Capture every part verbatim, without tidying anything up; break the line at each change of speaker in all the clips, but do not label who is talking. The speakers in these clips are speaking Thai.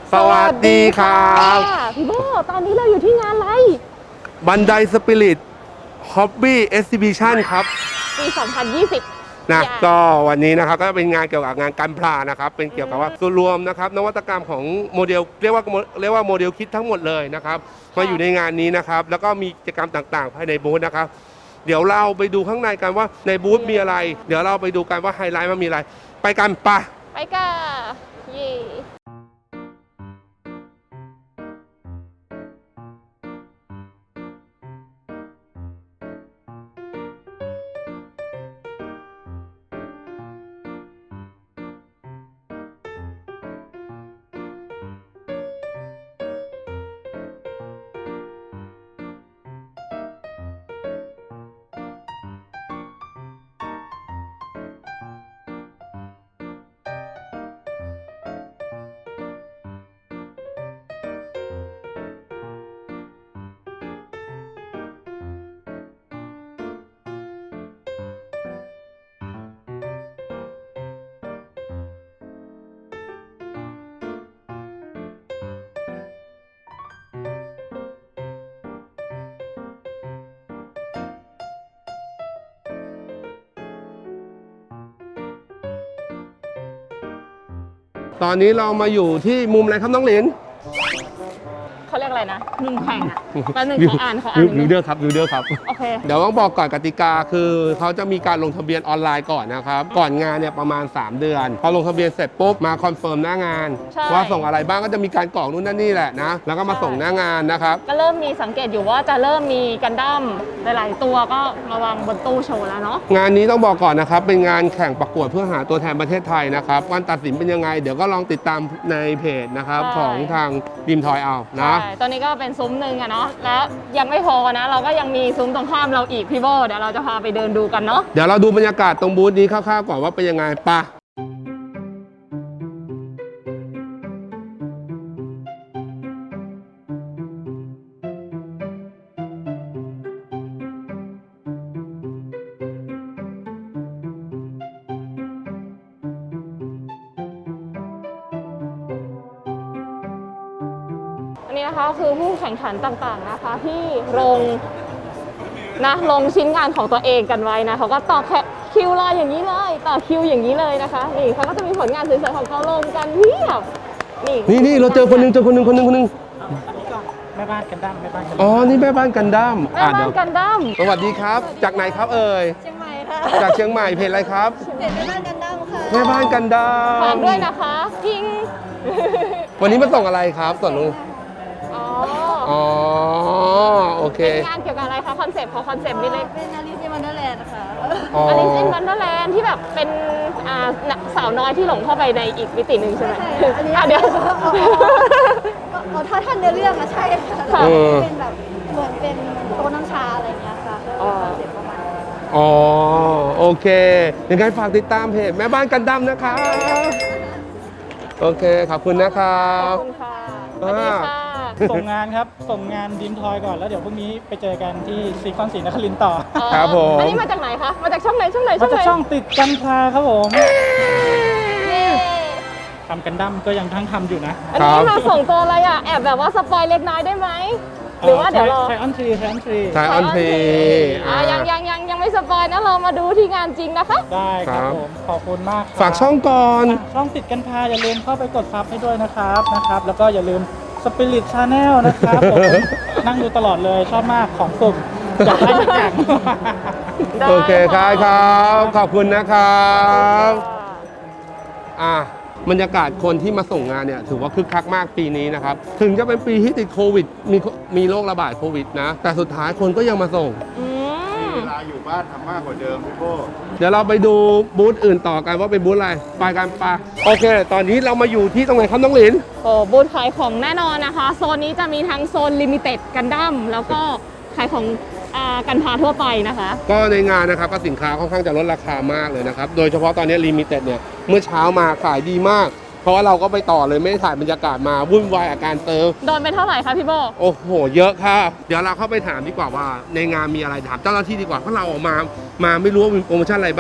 สวัสดีครับ
พี่โบตอนนี้เราอยู่ที่งานอะไร
บันไดสปิริตฮ็อบบี้เอ็กซิบิชันครับ
ปีสองพันยี่สิบ
นะก็วันนี้นะครับก็เป็นงานเกี่ยวกับงานการพลานะครับเป็นเกี่ยวกับว่าส่วนรวมนะครับนวัตกรรมของโมเดลเรียกว่าเรียกว่าโมเดลคิดทั้งหมดเลยนะครับมาอยู่ในงานนี้นะครับแล้วก็มีกิจกรรมต่างๆภายในบูธนะครับเดี๋ยวเราไปดูข้างในกันว่าในบูธมีอะไรเดี๋ยวเราไปดูกันว่าไฮไลท์มันมีอะไรไปกันปะ
ไปกันเย่
ตอนนี้เรามาอยู่ที่มุมอะไรครับน้องหลิน
เขาเรียกอะไรนะมุมแข่งอ่ะแป๊บนึงเขาอ่านเขาอ่าน
วิวเดอร์ครับวิวเดอร์ครับ
โอเค
เดี๋ยวต้องบอกก่อนกติกาคือเขาจะมีการลงทะเบียนออนไลน์ก่อนนะครับก่อนงานเนี่ยประมาณสามเดือนพอลงทะเบียนเสร็จปุ๊บมาคอนเฟิร์มหน้างานว่าส่งอะไรบ้างก็จะมีการกรอกนู่นนั่นนี่แหละนะแล้วก็มาส่งหน้างานนะครับ
ก็เริ่มมีสังเกตอยู่ว่าจะเริ่มมีกันดั้มหลายๆตัวก็มาวางบนตู้โชว์แล้วเนาะ
งานนี้ต้องบอกก่อนนะครับเป็นงานแข่งประกวดเพื่อหาตัวแทนประเทศไทยนะครับการตัดสินเป็นยังไงเดี๋ยวก็ลองติดตามในเพจนะครับของทางดิมทอยเอานะ
ตอนนี้ก็เป็นซุ้มหนึ่งอะเนาะแล้วยังไม่พอนะเราก็ยังมีซุ้มตรงข้ามเราอีกพี่โบเดี๋ยวเราจะพาไปเดินดูกันเนาะ
เดี๋ยวเราดูบรรยากาศตรงบูธนี้คร่าวๆก่อนว่าเป็นยังไงปะ
อันนี้นะคะคือผู้แข่งขันต่างๆนะคะที่ลงนะลงชิ้นงานของตัวเองกันไว้นะเขาก็ต่อคิวรออย่างนี้เลยต่อคิวอย่างนี้เลยนะคะนี่เขาก็จะมีผลงานสวยๆของเขาลงกันเพียบ
นี่นี่นี่เราเจอคนนึงเจอคนนึงคนนึงคนนึง
แม่บ้านกันดั้มแม่บ้านกัน
อ๋อนี่แม่บ้านกันดั้ม
แม่บ้านกันดั้ม
สวัสดีครับจากไหนครับเอ่ย
เชียงใหม่ค่ะ
จากเชียงใหม่เพจอะไรครับ
เพจแม่บ้านกันดั้มค่ะ
แม่บ้านกันดั้ม
ฝากด้วยนะคะพิง
วันนี้มาส่งอะไรครับส่วนนู้น
อ๋อ
อ๋อโอเค
เป็นงานเกี่ยวกับอะไรคะคอนเซปต์ของคอนเซปต์นี่เลย
เป็นอลิซin Wonderland ค่ะ
อลิซin Wonderland ที่แบบเป็นสาวน้อยที่หลงเข้าไปในอีกมิติหนึ่งใช่ไหม
อ่ะเดี๋ยวอ๋อถ้าท่านเนื้อเรื่องอะใช่ค่ะเป็นแบบเหมือนเป็นโต๊ะน้ำชาอะไรเงี้ยค่ะคอนเซปต์ประมาณ
อ๋อโอเคยังไงฝากติดตามเพจแม่บ้านกันดั้มนะคะโอเคขอบคุณนะครับ
ขอบคุณค่ะสวัสดีค่ะ
ส่งงานครับส่งงานดิมทอยก่อนแล้วเดี๋ยวพรุ่งนี้ไปเจอกันที่ซีคอนศรีนครินทร์ต่อ
ครับผม
อันนี้มาจากไหนคะมาจากช่องไหนช่องไหน
มาจากช่องติดกันพาครับผมทำกันดั้มก็ยังทั้งทำอยู่นะ
อันนี้มาส่งตัวอะไรอ่ะแอบแบบว่าสปอยเล็กน้อยได้ไหมหรือว่าเดี๋ยวรอ
ไทออนทรีไทออนทรี
ไทออนทรี
อ่ายังยังยังยังไม่สปอยนะเรามาดูที่งานจริงนะคะ
ได้ครับผมขอบคุณมาก
ฝากช่องก่อน
ช่องติดกันพาอย่าลืมเข้าไปกดซับให้ด้วยนะครับนะครับแล้วก็อย่าลืมสปิริตชาแนลนะครับผมนั่งดูตลอดเลยชอบมากของสุ่มอยากได้ทุกอย่าง
โอเคครับครับขอบคุณนะครับอ่ะบรรยากาศคนที่มาส่งงานเนี่ยถือว่าคึกคักมากปีนี้นะครับถึงจะเป็นปีที่ติดโควิดมีมีโรคระบาดโควิดนะแต่สุดท้ายคนก็ยังมาส่ง
เวลาอยู่บ้านทำมากกว่าเดิมพี่โก้
เดี๋ยวเราไปดูบูธอื่นต่อกันว่าเป็นบูธอะไรไปกันปะโอเคตอนนี้เรามาอยู่ที่ตรงไหนครับน้องหลิน
โอ้บูธขายของแน่นอนนะคะโซนนี้จะมีทั้งโซนลิมิเต็ดกันดั้มแล้วก็ขายของกันพาทั่วไปนะคะ
ก็ในงานนะครับก็สินค้าค่อนข้างจะลดราคามากเลยนะครับโดยเฉพาะตอนนี้ลิมิเต็ดเนี่ยเมื่อเช้ามาขายดีมากเพราะว่าเราก็ไปต่อเลยไม่ได้ถ่ายบรรยากาศมาวุ่นวายอาการเติม
โดนไปเท่าไหร่คะพี่โบ
โอ้โหเยอะค่ะเดี๋ยวเราเข้าไปถามดีกว่าว่าในงานมีอะไรถามเจ้าหน้าที่ดีกว่าเพราะเราออกมามาไม่รู้ว่ามีโปรโมชั่นอะไรบ้าง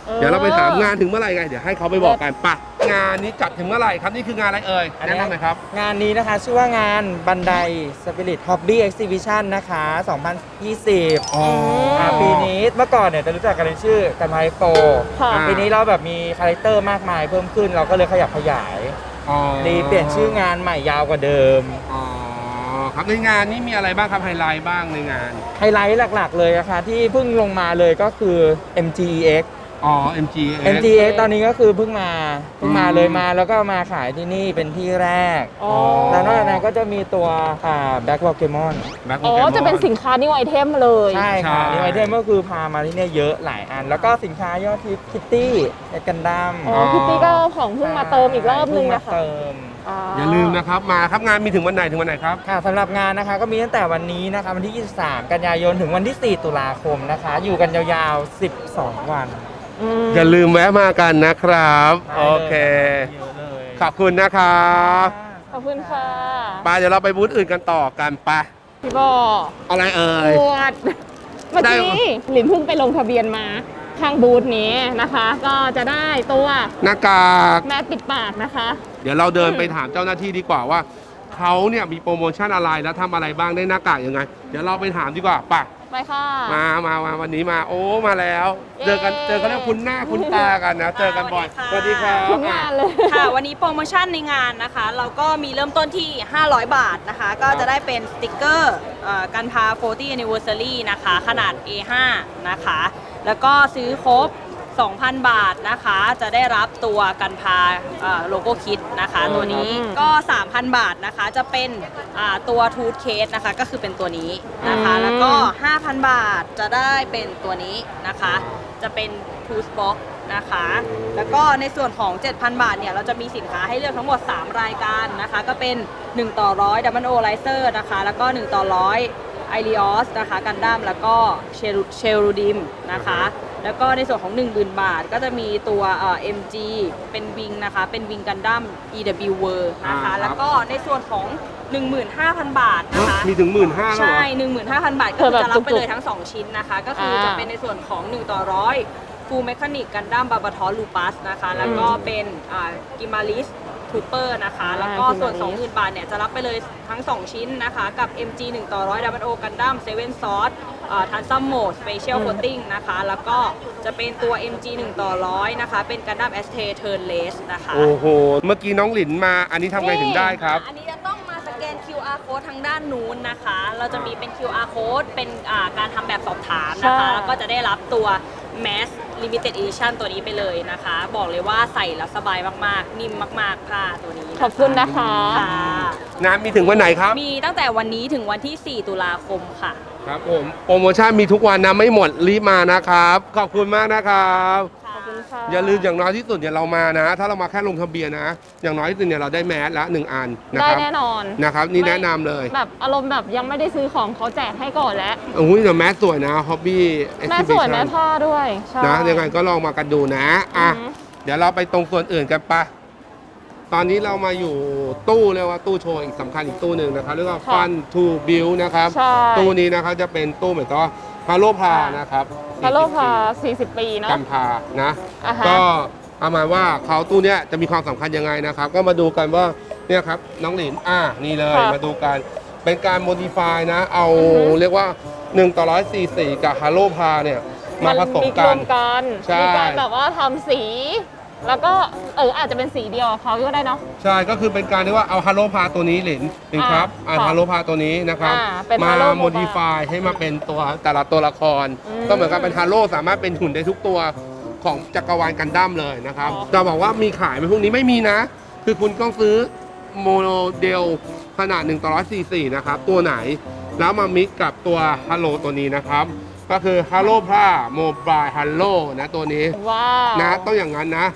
ออ
เดี๋ยวเราไปถามงานถึงเมื่อไหร่ไงเดี๋ยวให้เขาไปบอกกันปะงานนี้จัดถึงเมื่อไหร่ครับนี่คืองานอะไรเอ่ย
อัน
แนะ
เนี้ย
นำหน่อยครับ
งานนี้นะคะชื่อว่างานบันได Spirit Hobby Exhibition นะคะ สองพันยี่สิบ
อ๋อ
อ่าปีนี้เมื่อก่อนเนี่ยจะรู้จักกันในชื่อกันไมโป
ค่ะ
ปีนี้เราแบบมีคาแรคเตอร์มากมายเพิ่มขึ้นเราก็เลยขยับขยาย
อ๋อ
รีเปลี่ยนชื่องานใหม่ยาวกว่าเดิม
อ๋อครับในงานนี้มีอะไรบ้างครับไฮไลท์บ้างในงาน
ไฮไลท์หลักๆเลยนะคะที่เพิ่งลงมาเลยก็คือ เอ็ม จี อี เอ็กซ์
อ๋อ เอ็ม จี เอส
เอ็ม จี เอ็กซ์ ตอนนี้ก็คือเพิ่งมาเพิ่งมา
อืม
เลยมาแล้วก็มาขายที่นี่เป็นที่แรก
อ๋อ
แล้วนอกจากนั้นก็จะมีตัวอ่าแบ็คโปเกมอน
Black
อ๋อ
Pokemon
จะเป็นสินค้านิวไอเทมเลย
ใช่ค่ะ
ใช่
นิวไอเทมก็คือพามาที่เนี่ยเยอะหลายอัน แล้วก็สินค้ายอดฮิตคิตตี้กันดั้ม
อ๋อพี่ตี้ก็ของเพิ่งมาเติมอีกรอบนึง
มา
นะคะ
เติม
อย่าลืมนะครับมาครับงานมีถึงวันไหนถึงวันไหนครับ
ค่ะสำหรับงานนะคะก็มีตั้งแต่วันนี้นะคะวันที่ ยี่สิบสาม กันยายนถึงวันที่ สี่ ตุลาคมนะคะ อยู่กันยาวๆ สิบสอง วัน
อืม
อย่าลืมแวะมากันนะครับ
ได้
โอ
เลย
เค
เยอะเลย
ขอบคุณนะครับ
ขอบคุณค่ะ
ไปเดี๋ยวเราไปบูธอื่นกันต่อกันไป
พี่บอ
อะไรเอ่ย
ปวดเมื่อ
ได้
กี้หลินเพิ่งไปลงทะเบียนมาทางบูธนี้นะคะ ก็จะได้ตัว
หน้ากาก
แม่ปิดปากนะคะ
เดี๋ยวเราเดินไปถามเจ้าหน้าที่ดีกว่าว่าเขาเนี่ยมีโปรโมชั่นอะไรแล้วทำอะไรบ้างได้หน้ากากยังไง เดี๋ยวเราไปถามดีกว่าไป
ไปค่ะ
มามามาวันนี้มาโอ้มาแล้ว
เย้
เจอกันเจอกันแล้วคุ้นหน้าคุ้นตากันนะ เจอกันบ่อยสวัสดีครับ
ทุกงานเลย
ค่ะ วันนี้โปรโมชั่นในงานนะคะ เราก็มีเริ่มต้นที่ ห้าร้อย บาทนะคะ ก็จะได้เป็นสติกเกอร์เอ่อกันพา โฟร์ตี้ Anniversary นะคะ ขนาด เอ ห้า นะคะ แล้วก็ซื้อครบ สองพัน บาทนะคะ จะได้รับตัวกันพาโลโก้คิดนะคะ ตัวนี้ก็ สามพัน บาทนะคะ จะเป็นอ่าตัวทูธเคสนะคะ ก็คือเป็นตัวนี้นะคะ
อืม
แล้วก็ ห้าพัน บาทจะได้เป็นตัวนี้นะคะ จะเป็นทูธบ็อกนะคะ แล้วก็ในส่วนของ เจ็ดพัน บาทเนี่ยเราจะมีสินค้าให้เลือกทั้งหมด สาม รายการนะคะ ก็เป็น หนึ่ง ต่อ ร้อย ดับเบิลโอไลเซอร์นะคะ แล้วก็ หนึ่ง ต่อ ร้อย ไอริออสนะคะกันดั้มแล้วก็เชลเชลรูดิมนะคะ แล้วก็ในส่วนของ หนึ่งหมื่น บาทก็จะมีตัวเอ่อ เอ็ม จี เป็นวิงนะคะ เป็นวิงกันดั้ม อี ดับเบิลยู World นะคะ
อ่าครับ
แล้วก็ในส่วนของ หนึ่งหมื่นห้าพัน บาทนะคะ
มีถึงหมื่นห้าแล้วเหร
ใช่
อ
หนึ่งหมื่นห้าพัน บาท ก็
เออ
คือ
แบบ
จะรับไป
จุกๆ
เลยทั้ง สอง ชิ้นนะคะ ก็คือจะ
อ่า
เป็นในส่วนของ หนึ่ง ต่อ ร้อย ฟูลเมคานิกกันดั้มบาบาทอลูปัสนะคะ แล้วก็เป็นกิมาลิสทูเปอร์นะคะ แล้วก็ส่วน
Gimalis
สองหมื่น บาทเนี่ยจะรับไปเลยทั้ง สอง ชิ้นนะคะ กับ เอ็ม จี หนึ่ง ต่อ ร้อย ดับเบิลโอกันดั้มเซเว่นซอสทันซัมโหมดสเปเชียลโคตติ้งนะคะ แล้วก็จะเป็นตัว เอ็ม จี หนึ่ง ต่อ ร้อย นะคะ เป็นกันดั้มแอสเทเทิร์นเลสนะคะ
โอ้โห เมื่อกี้น้องหลินมา อันนี้ทำไงถึงได้ครับ
อันนี้จะต้องมาสแกน คิว อาร์ code ทางด้านนู้นนะคะ เราจะมีเป็น คิว อาร์ code เป็นอ่าการทำแบบสอบถามนะคะ
ใช่
แล้วก็จะได้รับตัว Mass Limited Edition ตัวนี้ไปเลยนะคะ บอกเลยว่าใส่แล้วสบายมากๆ นิ่มมากๆผ้าตัวนี้นะะ
ขอบคุณนะคะ
ค่ะ
งานมีถึงวันไหนครับ
มีตั้งแต่วันนี้ถึงวันที่ สี่ ตุลาคมค่ะ
ครับผมโปรโมชั่นมีทุกวันนะไม่หมดรีบมานะครับ ขอบคุณมากนะครับ
ขอบคุณค่ะ
อย่าลืมอย่างน้อยที่สุดเนี่ยเรามานะ ถ้าเรามาแค่ลงทะเบียนนะ อย่างน้อยที่สุดเนี่ยเราได้แมสละหนึ่งอันนะ
ได้
ครับ
แน่นอน
นะครับ นี่แนะนำเลย
แบบอารมณ์แบบยังไม่ได้ซื้อของเขาแจกให้ก่อนแล้ว
โอ้ยแต่แมสสวยนะฮอบบี้เอ็ก
แม่
ซิ
ส
บิ
วย
ชั
แม่
น
ผ้าด้วยใช่
นะยังไงก็ลองมากันดูนะอ่ะ
อือหือ
เดี๋ยวเราไปตรงส่วนอื่นกันปะตอนนี้เรามาอยู่ตู้เรียกว่าตู้โชว์อีกสำคัญอีกตู้หนึ่งนะครับเรียกว่า
ค่ะ
Fun to Build นะครับ
ใช่
ตู้นี้นะครับจะเป็นตู้เหมือนกับว่าพาโลพานะครับ
พาโลพาสี่สิบ ปีเนาะ
กัมพานะ
อ่าฮะ
ก็ประมาณว่าเขาตู้เนี้ยจะมีความสำคัญยังไงนะครับ ก็มาดูกันว่าเนี่ยครับน้องหลินอ่านี่เลย
ค่ะ
มาดูกันเป็นการโมดิฟายนะ เอา
อือฮึ
เรียกว่าหนึ่งต่อร้อยสี่สี่กับฮาโลพาเนี่ยมาผสม
มี
กั
ร
น
วมกัน
ใช่
มีการแบบว่าทำสี แล้วก็เอออาจจะเป็นสีเดียวกับเขาก็ได้เนาะ
ใช่ก็คือเป็นการที่ว่าเอาฮาโลพาตัวนี้หลินหลินครับ
อ่า
อ่า
ค่ะ
ฮาโลพาตัวนี้นะครับ
อ่าเป็น
มา
Halo
โมดิฟายให้มาเป็นตัวแต่ละตัวละคร
อืม
ก็เหมือนกับเป็นฮาโลสามารถเป็นหุ่นได้ทุกตัวของจักรวาลกันดั้มเลยนะครับ
อ๋อ
จะบอกว่ามีขายไหมพวกนี้ไม่มีนะ คือคุณต้องซื้อโมเดลขนาดหนึ่งต่อร้อยสี่สี่นะครับ ตัวไหนแล้วมามิกกับตัวฮัลโหลตัวนี้นะครับ ก็คือฮัลโหลพาโมบายฮัลโหลนะตัวนี้
ว้าว
นะต้องอย่างนั้นนะ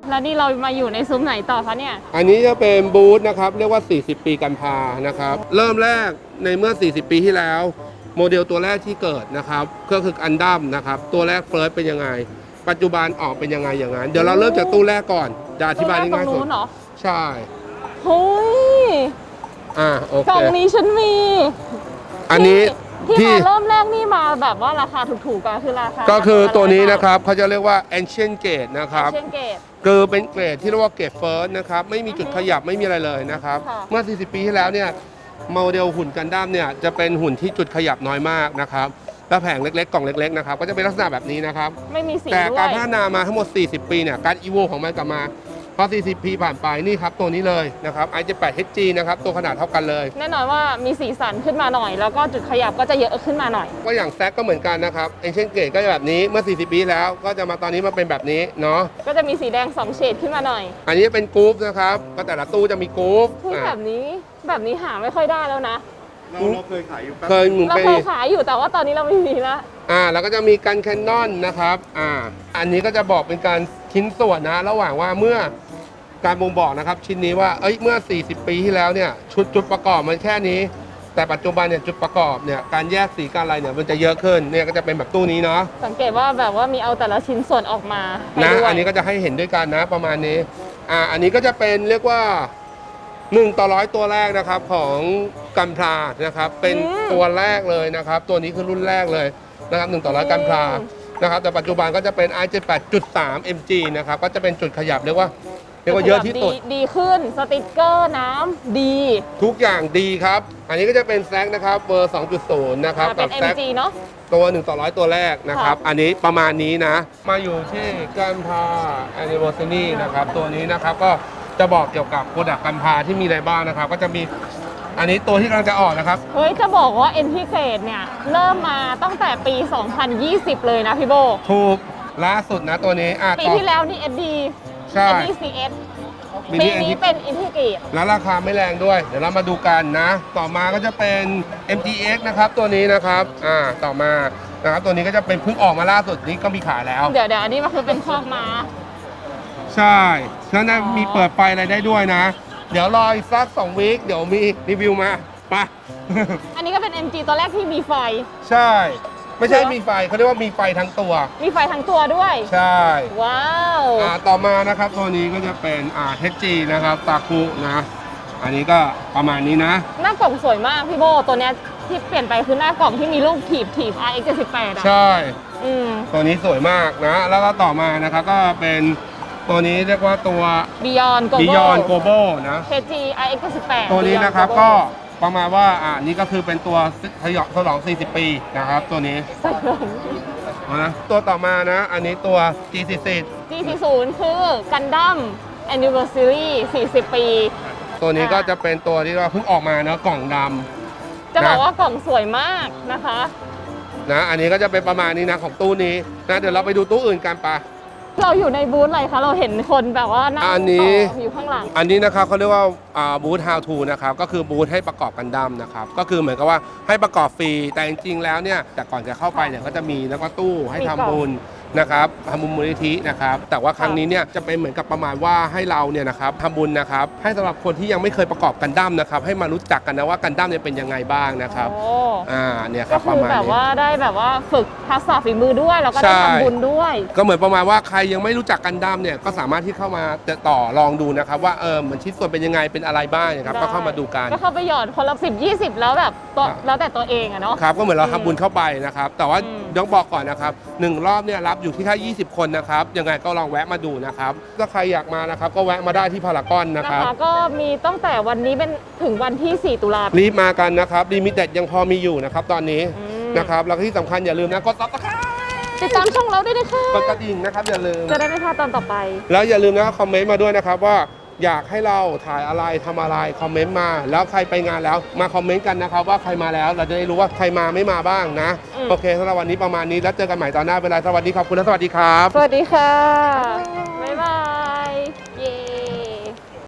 แล้วนี่เรามาอยู่ในซุ้มไหนต่อคะเนี่ย
อันนี้จะเป็นบูธนะครับเรียกว่า สี่สิบ ปีกันพานะครับเริ่มแรกในเมื่อ สี่สิบ ปีที่แล้ว โมเดลตัวแรกที่เกิดนะครับก็คืออันดัมนะครับตัวแรกเฟิร์สเป็นยังไง ปัจจุบันออกเป็นยังไงอย่างนั้นเดี๋ยวเราเริ่มจากตู้แรกก่อนจะอธิบายได้ง่ายสุด
ตู้แรกตรงนู้นเหรอ
ใช่
เฮ้ย
อ่าโอก
ล่
เค
องนี้ฉันมี
อันนี้
ที่
ที่
มาเริ่มแรกนี่มาแบบว่าราคาถูกๆกันคือราคา
ก็คือตัวนี้นะครับเขาจะเรียกว่า ancient gate นะครับ
เช่นเกต
คือเป็นเกรดที่เรียกว่าเกรดเฟิร์สนะครับไม่มีจุดขยับไม่มีอะไรเลยนะครับ
ค่ะ
เมื่อ สี่สิบ ปีที่แล้วเนี่ยโมเดลหุ่นกันดั้มเนี่ยจะเป็นหุ่นที่จุดขยับน้อยมากนะครับและแผงเล็กๆกล่องเล็กๆนะครับก็จะเป็นลักษณะแบบนี้นะครับ
ไม่มีสี
แต่
ด้ว
การ
ย
พัฒนามาทั้งหมด สี่สิบ ปีเนี่ยการอีโวของมันกลับมาพอ สี่สิบ ปีผ่านไปนี่ครับตัวนี้เลยนะครับ ไอ เจ็ดสิบแปด เอช จี นะครับตัวขนาดเท่ากันเลย
แน่นอนว่ามีสีสันขึ้นมาหน่อย แล้วก็จุดขยับก็จะเยอะขึ้นมาหน่อย
ก็อย่างแซกก็เหมือนกันนะครับเอเชียนเกตก็จะแบบนี้เมื่อ สี่สิบ ปีแล้วก็จะมาตอนนี้มาเป็นแบบนี้เนาะ
ก็จะมีสีแดงสองเฉดขึ้นมาหน่อย
อันนี้เป็นกรุ๊ปนะครับก็แต่ละตู้จะมีกรุ๊ป
เฮ้ย
อ่ะ
แบบนี้แบบนี้หาไม่ค่อยได้แล้วนะ
เราเราเคยขายอยู่แป๊บ
เคยหมุน
เรา
ไป
เคยขายอยู่แต่ว่าตอนนี้เราไม่มีแล้ว
อ่าแล้วก็จะมีกันแคนนอนนะครับอ่าอันนี้ก็จะบอกเป็นการชิ้นส่วนนะระหว่างว่าเมื่อการบ่งบอกนะครับชิ้นนี้ว่าเอ้ยเมื่อ สี่สิบ ปีที่แล้วเนี่ยชุดจุดประกอบมันแค่นี้ แต่ปัจจุบันเนี่ยจุดประกอบเนี่ยการแยกสีการอะไรเนี่ยมันจะเยอะขึ้นเนี่ยก็จะเป็นแบบตู้นี้เนาะ
สังเกตว่าแบบว่ามีเอาแต่ละชิ้นส่วนออกมาให้
นะ
ด้วย
อันนี้ก็จะให้เห็นด้วยกันนะประมาณนี้อ่าอันนี้ก็จะเป็นเรียกว่าหนึ่งต่อร้อยตัวแรกนะครับของกันพลานะครับเป็นตัวแรกเลยนะครับตัวนี้คือรุ่นแรกเลยนะครับหนึ่งต่อร้อยกันพลานะครับแต่ปัจจุบันก็จะเป็น ไอ เจ็ดสิบแปดจุดสาม เอ็ม จี นะครับก็จะเป็นจุดขยับเรียกว่าเรียกว่าเยอะที่สุด
ดีขึ้นสติกเกอร์น้ำดี
ทุกอย่างดีครับ อันนี้ก็จะเป็นแซกนะครับเบอร์ สองจุดศูนย์ นะครับ
อ่าเป็
กัน บแซก
เอ็ม จี เนาะ
ตัวหนึ่งต่อร้อยตัวแรกนะครับ
ค่ะ
อันนี้ประมาณนี้นะ มาอยู่ที่กันพา anniversary นะครับ ตัวนี้นะครับก็จะบอกเกี่ยวกับโปรดักต์กันพาที่มีอะไรบ้างนะครับ ก็จะมีอันนี้ตัวที่กำลังจะออกนะครับ
เฮ้ย จะบอกว่า เอ็น ที Grade เนี่ย เริ่มมาตั้งแต่ปี สองพันยี่สิบ เลยนะพี่โบ
ถูกล่าสุดนะตัวนี้อ่ะ
ปี
ต่อ
ที่แล้วนี่ เอส ดี
ใช่
เอส ดี ซี เอส
มี
ปี
ที่
นี้เป็น เอ็น ที Grade
แล้วราคาไม่แรงด้วย เดี๋ยวเรามาดูกันนะ ต่อมาก็จะเป็น เอ็ม จี เอ็กซ์ นะครับตัวนี้นะครับอ่าต่อมานะครับตัวนี้ก็จะเป็นเพิ่งออกมาล่าสุดนี้ก็มีขายแล้ว
เดี๋ยวเดี๋ยวอันนี้มันคือเป็นคอกม้า
ใช่แล้วนะ
อ๋อ
มีเปิดไฟอะไรได้ด้วยนะ เดี๋ยวรออีกสักสองวีคเดี๋ยวมีรีวิวมาไป
อันนี้ก็เป็น เอ็ม จี ตัวแรกที่มีไฟ
ใช่ ไม่ใช่
เหรอ
มีไฟเขาเรียกว่ามีไฟทั้งตัว
มีไฟทั้งตัวด้วย
ใช่
ว้าว
อ่าต่อมานะครับตัวนี้ก็จะเป็นอ่าเทจีนะครับตาคุนะ อันนี้ก็ประมาณนี้นะ
หน้ากล่องสวยมากพี่โบ ตัวเนี้ยที่เปลี่ยนไปคือหน้ากล่องที่มีรูปถีบถีบ อาร์ เอ็กซ์ เจ็ดสิบแปด อ่ะ
ใช่
อืม
ตัวนี้สวยมากนะ แล้วก็ต่อมานะครับก็เป็นตัวนี้เรียกว่าตัว
Beyond Global
Beyond Global นะ
เค จี อาร์ เอ็กซ์ เจ็ดสิบแปด
ตัวนี้
Beyond
นะครับ
Global
ก็ประมาณว่าอ่านี่ก็คือเป็นตัวทยอยฉลอง สี่สิบ ปีนะครับตัวนี้
ใส่ลง
เอานะตัวต่อมานะ อันนี้ตัว จี สี่สิบ
จี สี่สิบ คือ Gundam Anniversary สี่สิบ ปี
ตัวนี้
อ่า
ก็จะเป็นตัวที่ว่าเพิ่งออกมาเนาะกล่องด
จะบอก
นะ
ว่ากล่องสวยมากนะคะ
ำนะอันนี้ก็จะเป็นประมาณนี้นะของตู้นี้นะเดี๋ยวเราไปดูตู้อื่นกันปะ
เราอยู่ในบูธอะไรคะ เราเห็นคนแบบว่านั่ง
อันนี้
ต่ออยู่ข้างหลัง
อันนี้นะครับเขาเรียกว่าบูธ how to นะครับก็คือบูธให้ประกอบกันดั้มนะครับก็คือเหมือนกับว่าให้ประกอบฟรีแต่จริงๆแล้วเนี่ยแต่ก่อนจะเข้าไปเนี่ยก็จะมีแล้วก็ตู้ให้
มี
ทำ
กล่อง
บุญนะครับทำบุญมูลนิธินะครับแต่ว่าครั้งนี้เนี่ยจะเป็นเหมือนกับประมาณว่าให้เราเนี่ยนะครับทำบุญนะครับให้สำหรับคนที่ยังไม่เคยประกอบกันดั้มนะครับให้มารู้จักกันนะว่ากันดั้มเนี่ยเป็นยังไงบ้างนะครับ
โอ้
อ่าเนี่ยค
ก็
รับป
คื
ระ
อ
มาณ
แบบ
นี้
ว่าได้แบบว่าฝึกทักษะฝีมือด้วย แล้วก็ได้
ใช่
ทำบุญด้วย
ก็เหมือนประมาณว่าใครยังไม่รู้จักกันดั้มเนี่ยก็สามารถที่เข้ามาจะต่อลองดูนะครับว่าเออเหมือนชิ้นส่วนเป็นยังไงเป็นอะไรบ้างนะครับ
ได้
ก็เข้ามาดูกัน
ก็เข้าไปหยอดคนละสิบยี่สิบแล้วแบบตัว
ครับ
แล้วแต่ตัวเองอะเนาะ
ครับก็เหมือนเรา
อืม
ทำบุญเข้าไปนะครับแต่ว่า
อืม
ต้องบอกก่อนนะครับหนึ่งรอบเนี่ยรับอยู่ที่แค่ยี่สิบคนนะครับยังไงก็ลองแวะมาดูนะครับถ้าใครอยากมานะครับก็แวะมาได้ที่พารากอนนะ
นะครับ คะก็มีตั้งแต่วันนี้เป็นถึงวันที่ สี่ ตุลาคม
รีบมากันนะครับลิมิเต็ดยังพอมีอยู่นะครับตอนนี้
อืม
นะครับแล้วก็ที่สำคัญอย่าลืมนะกดซับสไครต์
ติดตามช่องเราด้วยนะคะ
กดกระดิ่งนะครับอย่าลืม
จะได้ไม่พลาดตอนต่อไป
แล้วอย่าลืมนะคอมเมนต์มาด้วยนะครับว่าอยากให้เราถ่ายอะไรทำอะไรคอมเมนต์มา แล้วใครไปงานแล้วมาคอมเมนต์กันนะครับว่าใครมาแล้วเราจะได้รู้ว่าใครมาไม่มาบ้างนะ
อืม
โอเคสำหรับวันนี้ประมาณนี้แล้วเจอกันใหม่ตอนหน้าเวลาสวัสดีขอบคุณและสวัสดีครับ
สวัสดีค่ะ